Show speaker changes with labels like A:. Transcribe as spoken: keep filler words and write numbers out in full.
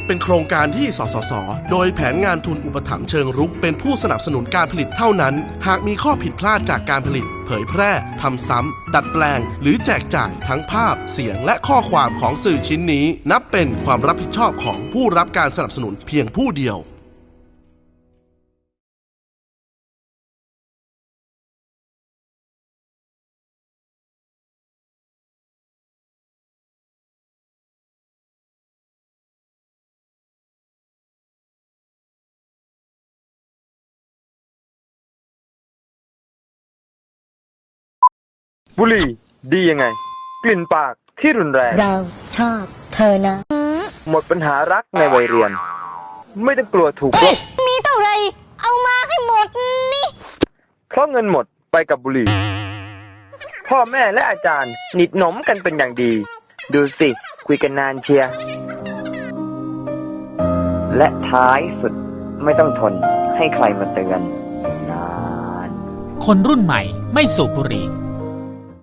A: เป็นโครงการที่สสสโดยแผนงานทุนอุปถัมภ์เชิงรุกเป็นผู้สนับสนุนการผลิตเท่านั้นหากมีข้อผิดพลาดจากการผลิตเผยแพร่ทำซ้ำดัดแปลงหรือแจกจ่ายทั้งภาพเสียงและข้อความของสื่อชิ้นนี้นับเป็นความรับผิดชอบของผู้รับการสนับสนุนเพียงผู้เดียว
B: บุหรี่ดียังไงกลิ่นปากที่รุนแรง
C: เราชอบเธอนะ
B: หมดปัญหารักในวัยเรียนไม่ต้องกลัวถูกลบ
C: มีเท่าไรเอามาให้หมดนี่
B: เพราะเงินหมดไปกับบุหรี่พ่อแม่และอาจารย์หนิดหนมกันเป็นอย่างดีดูสิคุยกันนานเชียร์และท้ายสุดไม่ต้องทนให้ใครมาเตือนนาน
D: คนรุ่นใหม่ไม่สูบบุหรี่